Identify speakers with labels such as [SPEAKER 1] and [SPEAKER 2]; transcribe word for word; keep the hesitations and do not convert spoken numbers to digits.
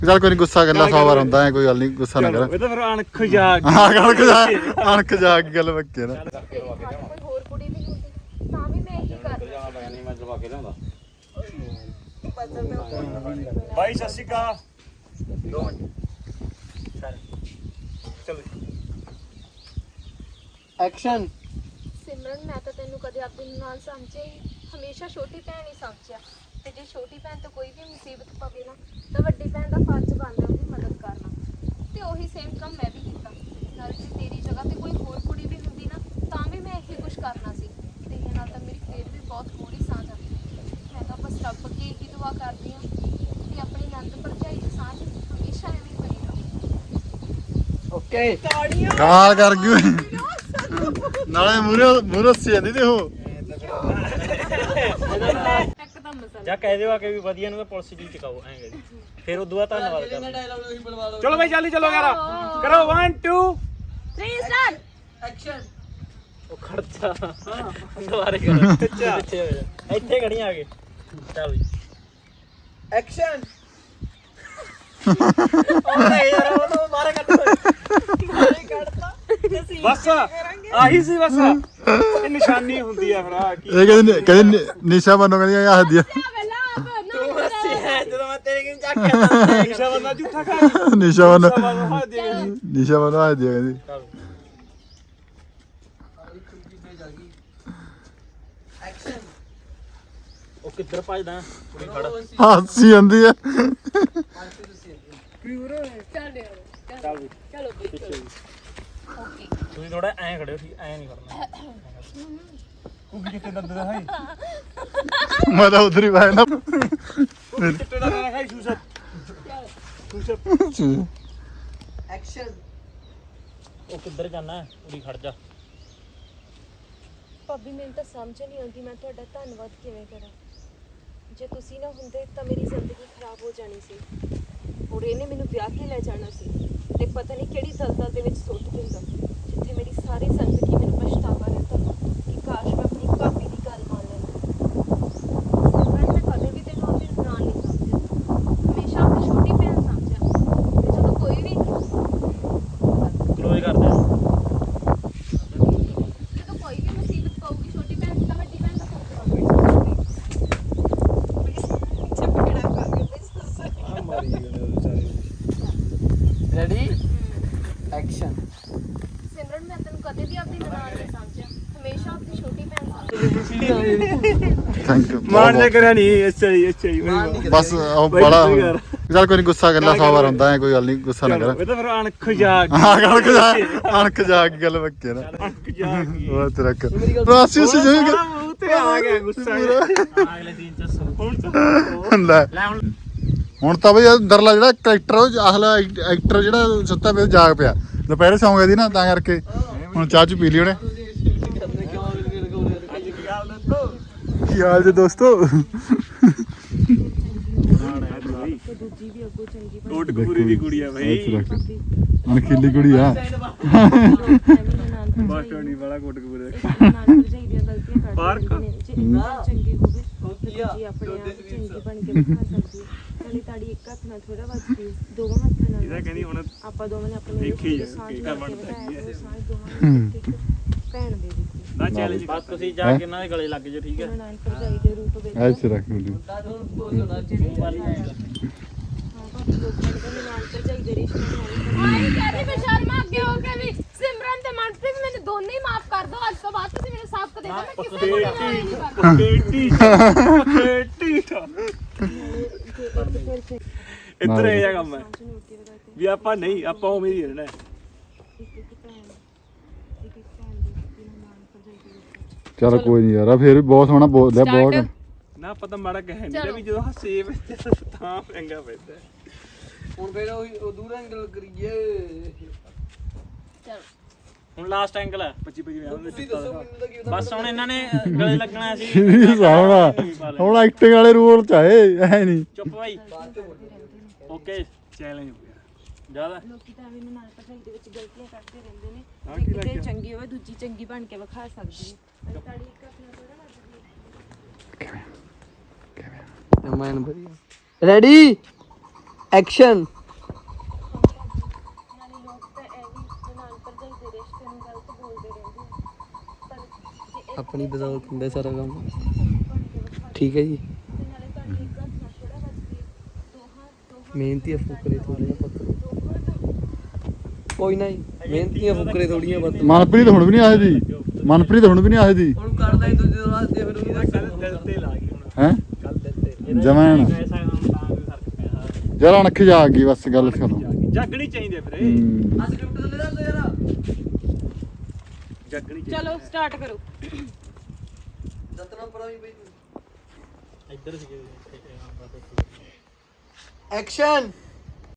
[SPEAKER 1] ਚੱਲ ਕੋਈ ਨਹੀਂ, ਗੁੱਸਾ ਕਰਨਾ ਸੌ ਵਾਰ ਹੁੰਦਾ ਹੈ, ਕੋਈ ਗੱਲ ਨਹੀਂ, ਗੁੱਸਾ ਨਾ ਕਰ।
[SPEAKER 2] ਇਹ ਤਾਂ ਫਿਰ ਅਣਖ ਜਾ
[SPEAKER 1] ਹਾਂ ਅਣਖ ਜਾ ਅਣਖ ਜਾ ਕੇ ਗੱਲ ਬੱਕੇ ਨਾ।
[SPEAKER 3] ਕੋਈ ਹੋਰ ਕੁੜੀ ਵੀ ਹੁੰਦੀ ਤਾਂ ਵੀ ਮੈਂ ਇਹੀ ਕਰਦਾ।
[SPEAKER 2] ਨਹੀਂ ਮੈਂ ਦਵਾ ਕੇ ਲਿਆਉਂਦਾ ਬਾਈ। ਸਤਿ ਸ਼੍ਰੀ ਅਕਾਲ। ਦੋ ਮਿੰਟ ਚਲੋ ਐਕਸ਼ਨ।
[SPEAKER 3] ਸਿਮਰਨ ਮੈਂ ਤਾਂ ਤੈਨੂੰ ਕਦੇ ਆਪਣੀ ਨਾਲ ਸਮਝਿਆ ਹੀ, ਹਮੇਸ਼ਾ ਛੋਟੀ ਭੈਣ ਹੀ ਸਮਝਿਆ। ਤੇ ਜੇ ਛੋਟੀ ਭੈਣ ਤੋਂ ਕੋਈ ਵੀ ਮੁਸੀਬਤ ਪਵੇ ਨਾ ਤਾਂ ਵੱਡੀ ਭੈਣ ਦਾ ਫਰਜ਼ ਬਣਦਾ ਉਹਦੀ ਮਦਦ ਕਰਨਾ। ਤੇ ਉਹੀ ਸੇਮ ਕੰਮ ਮੈਂ ਵੀ ਕੀਤਾ। ਨਾਲ ਜੇ ਤੇਰੀ ਜਗ੍ਹਾ ਤੇ ਕੋਈ ਹੋਰ ਕੁੜੀ ਵੀ ਹੁੰਦੀ ਨਾ ਤਾਂ ਵੀ ਮੈਂ ਇਹੀ ਕੁਝ ਕਰਨਾ ਸੀ। ਤੇਰੇ ਨਾਲ ਤਾਂ ਮੇਰੀ ਫੇਰ ਵੀ ਬਹੁਤ ਥੋੜੀ ਸਾਂਝ ਆ। ਮੈਂ ਤਾਂ ਬਸ ਰੱਬ ਅੱਗੇ ਇਹੀ ਦੁਆ ਕਰਦੀ ਹਾਂ ਕਿ ਆਪਣੀ ਨੰਦ ਭਰਜਾਈ ਦੀ ਸਾਂਝ ਹਮੇਸ਼ਾ ਐਵੇਂ ਬਣੀ ਰਹੇ।
[SPEAKER 2] ਓਕੇ
[SPEAKER 1] ਗਾਲ ਕਰ ਗਈ ਨਾਲੇ ਮੂਰੇ ਮੂਰੇ ਸੀ ਜਾਂਦੀ ਤੇ ਉਹ
[SPEAKER 2] ਜਾ ਕਹਿ ਦਿਓ ਆ ਕੇ ਵੀ ਵਧੀਆ ਨੂੰ ਪੁਲਿਸ ਜੀ ਚਕਾਓ ਐਂ ਜੀ। ਫਿਰ ਉਦੋਂ ਬਾਅਦ ਧੰਨਵਾਦ ਕਰ। ਚਲੋ ਬਾਈ ਜਲਦੀ ਚਲੋ ਯਾਰ ਕਰੋ one two
[SPEAKER 3] three start
[SPEAKER 2] action. ਉਹ ਖੜਚਾ ਦੁਬਾਰੇ ਕਰੋ। ਅੱਛਾ ਇੱਥੇ ਖੜੀਆਂ ਆ ਕੇ। ਚੱਲ ਜੀ ਐਕਸ਼ਨ। ਉਹ ਨਹੀਂ ਯਾਰ ਉਹ ਤਾਂ ਮਾਰੇ ਕੱਟ ਮਾਰੇ ਕੱਟਦਾ ਬਸ ਆਹੀ ਸੀ ਬਸ। ਇਹ ਨਿਸ਼ਾਨੀ ਹੁੰਦੀ ਆ ਫਿਰ ਆ ਕੀ
[SPEAKER 1] ਇਹ ਕਹਿੰਦੇ ਕਹਿੰਦੇ ਨਿਸ਼ਾ ਮੰਨੋ ਕਹਿੰਦੀ ਆ ਹੱਦੀ
[SPEAKER 2] ਜਦੋਂ ਮੈਂ ਤੇਰੇ ਕਿਨ ਚੱਕ ਕੇ ਨਿਸ਼ਾ ਬੰਦਾ ਝੂਠਾ ਖਾ
[SPEAKER 1] ਨਿਸ਼ਾ ਮੰਨੋ
[SPEAKER 2] ਹਾਂ ਦੇ
[SPEAKER 1] ਨਿਸ਼ਾ ਮੰਨੋ ਹੱਦੀ ਕਹਿੰਦੀ
[SPEAKER 2] ਐਕਸ਼ਨ। ਉਹ ਕਿੱਧਰ ਭੱਜਦਾ ਕੁੜੀ ਖੜ
[SPEAKER 1] ਹਾਸੀ ਜਾਂਦੀ ਆ।
[SPEAKER 2] ਚੱਲ ਵੀ
[SPEAKER 3] ਚਲੋ
[SPEAKER 2] ਪਿੱਛੇ ਵੀ
[SPEAKER 3] ਓਕੇ।
[SPEAKER 2] ਤੁਸੀਂ ਥੋੜਾ ਐਂ ਖੜਿਓ ਠੀਕ ਐਂ ਨਹੀਂ ਕਰਨਾ। ਕੁੱਗੀ ਕਿੱਥੇ ਦੰਦ ਦਾ ਹੈ
[SPEAKER 1] ਮੈਂ ਤਾਂ ਉਧਰ ਹੀ ਪਾਇਆ ਨਾ
[SPEAKER 2] ਚਿੱਟੇ ਦਾ ਨਾ ਹੈ ਸ਼ੂਸ਼ਤ ਸ਼ੂਸ਼ਤ ਐਕਸ਼ਨ। ਉਹ ਕਿੱਧਰ ਜਾਣਾ ਕੁੜੀ ਖੜ ਜਾ।
[SPEAKER 3] ਭਾਬੀ ਮੈਨੂੰ ਤਾਂ ਸਮਝ ਨਹੀਂ ਆਉਂਦੀ ਮੈਂ ਤੁਹਾਡਾ ਧੰਨਵਾਦ ਕਿਵੇਂ ਕਰਾਂ। ਜੇ ਤੁਸੀਂ ਨਾ ਹੁੰਦੇ ਤਾਂ ਮੇਰੀ ਜ਼ਿੰਦਗੀ ਖਰਾਬ ਹੋ ਜਾਣੀ ਸੀ ਔਰ ਇਹਨੇ ਮੈਨੂੰ ਵਿਆਹ ਕੇ ਲੈ ਜਾਣਾ ਸੀ ਤੇ ਪਤਾ ਨਹੀਂ ਕਿਹੜੀ ਦਲਦਲ ਦੇ ਵਿੱਚ ਸੁੱਟ ਦਿੰਦਾ ਜਿੱਥੇ ਮੇਰੀ ਸਾਰੀ ਜ਼ਿੰਦਗੀ ਮੈਨੂੰ ਪਛਤਾਵਾ ਰਹਿੰਦਾ ਕਿ ਕਾਸ਼ ਮੈਂ ਆਪਣੀ ਭਾਬੀ ਦੀ ਗੱਲ ਮੰਨ ਲੈਂਦਾ। ਮੈਂ ਕਦੇ ਵੀ ਤੈਨੂੰ ਆਪਣੀ ਨਾਲ ਨਹੀਂ ਸਮਝਿਆ, ਹਮੇਸ਼ਾ ਆਪਣੀ ਛੋਟੀ ਭੈਣ ਸਮਝਿਆ। ਤੇ ਜਦੋਂ ਕੋਈ ਵੀ
[SPEAKER 2] ਕਲੋਜ਼ ਕਰ ਦੇ।
[SPEAKER 3] ਜਦੋਂ ਕੋਈ ਵੀ ਮੁਸੀਬਤ ਪਊਗੀ ਛੋਟੀ ਭੈਣ ਦੀ ਤਾਂ ਵੱਡੀ ਭੈਣ ਦਾ ਫਰਕ
[SPEAKER 2] ਆ ਮਾਰੀ ਗਏ ਸਾਰੇ। Ready action.
[SPEAKER 3] ਸਿਮਰਨ ਮੈਂ ਤੈਨੂੰ ਕਦੇ ਵੀ ਆਪਣੀ ਨਨਾਣ ਨਹੀਂ ਸਮਝਿਆ, ਹਮੇਸ਼ਾ ਆਪਣੀ ਛੋਟੀ ਭੈਣ ਸਮਝਿਆ।
[SPEAKER 1] ਥੈਂਕ ਯੂ
[SPEAKER 2] ਮਾਨ ਨੇ ਕਰਿਆ ਨਹੀਂ ਅੱਛਾ ਜੀ ਅੱਛਾ ਜੀ
[SPEAKER 1] ਬਸ ਉਹ ਬੜਾ ਚੱਲ ਕੋਈ ਨਹੀਂ, ਗੁੱਸਾ ਕਰਨਾ ਸੌ ਵਾਰ ਹੁੰਦਾ ਹੈ, ਕੋਈ ਗੱਲ ਨਹੀਂ, ਗੁੱਸਾ ਨਾ ਕਰ।
[SPEAKER 2] ਇਹ ਤਾਂ ਫਿਰ ਅਣਖ ਜਾ
[SPEAKER 1] ਹਾਂ ਅਣਖ ਜਾ ਅਣਖ ਜਾ ਕੇ ਗੱਲ ਬੱਕੇ ਨਾ।
[SPEAKER 2] ਅਣਖ ਜਾ ਗਈ
[SPEAKER 1] ਉਹ ਤੇਰਾ ਰਾਸੀ ਸੀ ਜਾਏਗਾ
[SPEAKER 2] ਮੂੰਹ ਤੇ ਆ ਗਿਆ ਗੁੱਸਾ। ਅਗਲੇ ਦਿਨ ਚ ਹੁਣ
[SPEAKER 1] ਲੈ
[SPEAKER 2] ਲੈ ਹੁਣ
[SPEAKER 1] ਹੁਣ ਤਾਂ ਬਈ ਅੰਦਰਲਾ ਜਿਹੜਾ ਕਰੈਕਟਰ ਉਹ ਆਹਲਾ ਐਕਟਰ ਜਿਹੜਾ ਸੁੱਤਾ ਪਿਆ ਜਾਗ ਪਿਆ। ਦੁਪਹਿਰੇ ਸੌਂ ਗਏ ਦੀ ਨਾ ਤਾਂ ਕਰਕੇ ਹੁਣ ਚਾਹ ਚ ਪੀ ਲਈ ਉਹਨੇ। ਕੀ ਹਾਲ ਜੀ ਦੋਸਤੋ।
[SPEAKER 3] ਦੂਜੀ ਵੀ ਅੱਗੋਂ ਚੰਗੀ
[SPEAKER 2] ਕੋਟਕਪੂਰੀ ਦੀ ਕੁੜੀ ਆ ਭਾਈ।
[SPEAKER 1] ਅਣਖੀਲੀ ਕੁੜੀ ਆ।
[SPEAKER 2] ਬਸ ਟੋਣੀ ਵਾਲਾ ਕੋਟਕਪੂਰੇ ਦਾ
[SPEAKER 3] ਨਨਾਣ ਭਰਜਾਈ ਦੀਆਂ ਗਲਤੀਆਂ ਕੱਢ
[SPEAKER 2] ਪਾਰਕ
[SPEAKER 3] ਚੰਗੀ ਹੋਵੇ ਜੀ ਆਪਣੇ ਆਪ ਚੰਗੀ ਬਣ ਕੇ ਵਿਖਾ ਸਕਦੀ ਹੈ। ਨਾਲੇ ਤਾੜੀ ਇੱਕ ਹੱਥ ਨਾਲ ਥੋੜਾ ਵੱਜਦੀ ਹੈ, ਦੋਵਾਂ ਹੱਥਾਂ ਨਾਲ
[SPEAKER 2] ਇਹਦਾ ਕਹਿੰਦੀ ਹੁਣ
[SPEAKER 3] ਆਪਾਂ ਦੋਵਾਂ ਨੇ ਆਪਣੇ
[SPEAKER 2] ਦੇਖੀ ਜਾ
[SPEAKER 3] ਸਾਂਝ
[SPEAKER 2] ਕੀ
[SPEAKER 3] ਬਣਾ
[SPEAKER 2] ਕਰ
[SPEAKER 3] ਕੇ
[SPEAKER 2] ਬਣਦਾ
[SPEAKER 3] ਵਧਾਇਆ ਤੇ ਉਹ ਸਾਂਝ ਦੋਵਾਂ ਨੇ ਇੱਕ ਇੱਕ ਭੈਣ ਦੇ ਦਿੱਤੀ।
[SPEAKER 2] ਨਾ ਚੈਲੰਜ ਬਸ ਤੁਸੀਂ ਜਾ ਕੇ ਇਹਨਾਂ ਦੇ ਗਲੇ ਲੱਗ ਜਾਓ ਠੀਕ ਹੈ।
[SPEAKER 3] ਨਨਾਣ ਭਰਜਾਈ ਦੇ ਰੂਪ ਵਿੱਚ
[SPEAKER 1] ਐ ਚ ਰੱਖ ਲਈ।
[SPEAKER 3] ਹਾਂ ਭਾਬੀ ਲੋਕਾਂ ਦੇ ਨਨਾਣ ਭਰਜਾਈ ਦੇ ਰਿਸ਼ਤੇ ਨੂੰ ਆਈ ਕਹਿੰਦੀ ਮੈਂ ਸ਼ਰਮਾ ਅੱਗੇ ਹੋ ਕੇ ਵੀ ਸਿਮਰਨ ਤੇ ਮਨਪ੍ਰੀਤ ਮੈਨੂੰ ਦੋਨੇ ਹੀ ਮਾਫ ਕਰ ਦੋ। ਅੱਜ ਤੋਂ ਬਾਅਦ ਤੁਸੀਂ ਮੈਨੂੰ ਸਾਫ਼ ਦੇ ਦਿਓ ਮੈਂ ਕਿਸੇ ਨੂੰ ਨਹੀਂ ਕਰਦਾ।
[SPEAKER 2] ਕੇਟੀ ਕੇਟੀ ਇੱਧਰ ਇਹ ਜਿਹਾ ਕੰਮ ਹੈ ਵੀ ਆਪਾਂ ਨਹੀਂ ਆਪਾਂ ਉਵੇਂ ਹੀ ਰਹਿਣਾ।
[SPEAKER 1] ਚਲ ਕੋਈ ਨਹੀਂ ਯਾਰ, ਫੇਰ ਵੀ ਬਹੁਤ ਸੋਹਣਾ ਬੋਲਦਾ ਬਹੁਤ।
[SPEAKER 2] ਨਾ ਪਤਾ ਮਾੜਾ ਕਹਿ ਨਹੀਂ ਵੀ ਜਦੋਂ ਹੱਸੇ ਤਾਂ ਪੈਂਗਾ ਪੈਂਦਾ। ਹੁਣ ਫੇਰ ਉਹ ਦੂਰ ਐਂਗਲ ਕਰੀਏ।
[SPEAKER 3] ਚਲੋ
[SPEAKER 2] ਹੁਣ ਲਾਸਟ ਐਂਗਲ ਹੈ ਪੱਚੀ ਪੱਚੀ ਬਸ ਹੁਣ ਇਹਨਾਂ ਨੇ ਗਲੇ ਲੱਗਣਾ ਸੀ।
[SPEAKER 1] ਸਾਹਮਣਾ ਹੁਣ ਐਕਟਿੰਗ ਵਾਲੇ ਰੂਲ ਚ ਆਏ ਐ ਨਹੀਂ।
[SPEAKER 2] ਚੁੱਪ ਭਾਈ ਓਕੇ ਚੈਲੰਜ ਹੋ ਗਿਆ ਜ਼ਿਆਦਾ।
[SPEAKER 3] ਲੋਕੀ ਤਾਂ ਐਵੇਂ ਨਾਲ ਭਰਜਾਈ ਦੇ ਵਿੱਚ ਗਲਤੀਆਂ ਕਰਦੇ ਰਹਿੰਦੇ ਨੇ। ਜੇ ਕਿਤੇ ਚੰਗੀ ਹੋਵੇ ਦੂਜੀ ਚੰਗੀ ਬਣ ਕੇ ਵਿਖਾ ਸਕਦੀ ਹੈ। ਤਾੜੀ ਇੱਕ ਆਪਣਾ ਥੋੜਾ ਲੱਗਦੀ ਹੈ।
[SPEAKER 4] Ready action.
[SPEAKER 3] ਨਾਲੇ ਲੋਕ ਤਾਂ ਐਵੇਂ ਨਾਲ ਭਰਜਾਈ ਦੇ ਰਿਸ਼ਤੇ ਨੂੰ ਗਲਤ ਬੋਲਦੇ ਰਹਿੰਦੇ ਆ। ਪਰ ਜੇ ਇਹ
[SPEAKER 4] ਆਪਣੀ ਬਦੌਲਤ ਹੁੰਦਾ ਸਾਰਾ ਕੰਮ।
[SPEAKER 3] ਬਣ ਕੇ ਵਿਖਾ
[SPEAKER 4] ਠੀਕ ਹੈ ਜੀ।
[SPEAKER 3] ਤੇ ਨਾਲੇ ਤੁਹਾਡੀ ਇੱਕ ਹੱਥ ਨਾਲ ਥੋੜਾ ਵੱਜਦੀ ਦੋਹਾਂ ਦੋਹਾਂ
[SPEAKER 4] ਮਿਹਨਤੀ ਫੁਕਰੇ ਥੋੜੀਆਂ ਪੁੱਤ।
[SPEAKER 3] ਦੋਹਾਂ ਦਾ
[SPEAKER 4] ਕੋਈ ਨਾ ਜੀ, ਮਿਹਨਤੀਆਂ ਫੁਕਰੇ ਥੋੜੀਆਂ ਪੁੱਤ।
[SPEAKER 1] ਮਨਪ੍ਰੀਤ ਹੁਣ ਵੀ ਨਹੀਂ ਆਏ ਦੀ ਮਨਪ੍ਰੀਤ ਹੁਣ ਵੀ ਨਹੀਂ ਆਏ ਦੀ
[SPEAKER 4] ਹੁਣ ਕਰਦਾ ਹੀ ਦੂਜੇ ਵਾਸਤੇ ਫਿਰ
[SPEAKER 2] ਇਹਦਾ ਕੱਲ ਦਿਲ ਤੇ ਲਾ ਗਈ ਹੁਣ
[SPEAKER 1] ਹੈ
[SPEAKER 2] ਕੱਲ ਦਿਲ ਤੇ
[SPEAKER 1] ਜਮਾਂ ਨਾ।
[SPEAKER 2] ਪੈਸਾ ਹੁਣ ਤਾਂ ਵੀ ਫਰਕ ਪਿਆ
[SPEAKER 1] ਯਾਰ ਅਣਖ ਜਾ ਆ ਗਈ ਬਸ ਗੱਲ ਕਰੋ
[SPEAKER 2] ਜਾਗਣੀ ਚਾਹੀਦੀ ਹੈ ਵੀਰੇ
[SPEAKER 1] ਹੂੰ।
[SPEAKER 4] ਅੱਜ ਗਿਫਟ ਦੇ ਦੱਸ ਯਾਰ।
[SPEAKER 2] ਜਾਗਣੀ ਚਾਹੀਦੀ
[SPEAKER 5] ਚਲੋ ਸਟਾਰਟ ਕਰੋ।
[SPEAKER 4] ਦਤਨਾ ਪਰਾਂ ਵੀ ਬਈ ਤੂੰ।
[SPEAKER 2] ਇੱਧਰ ਸੀ
[SPEAKER 4] ਐਕਸ਼ਨ।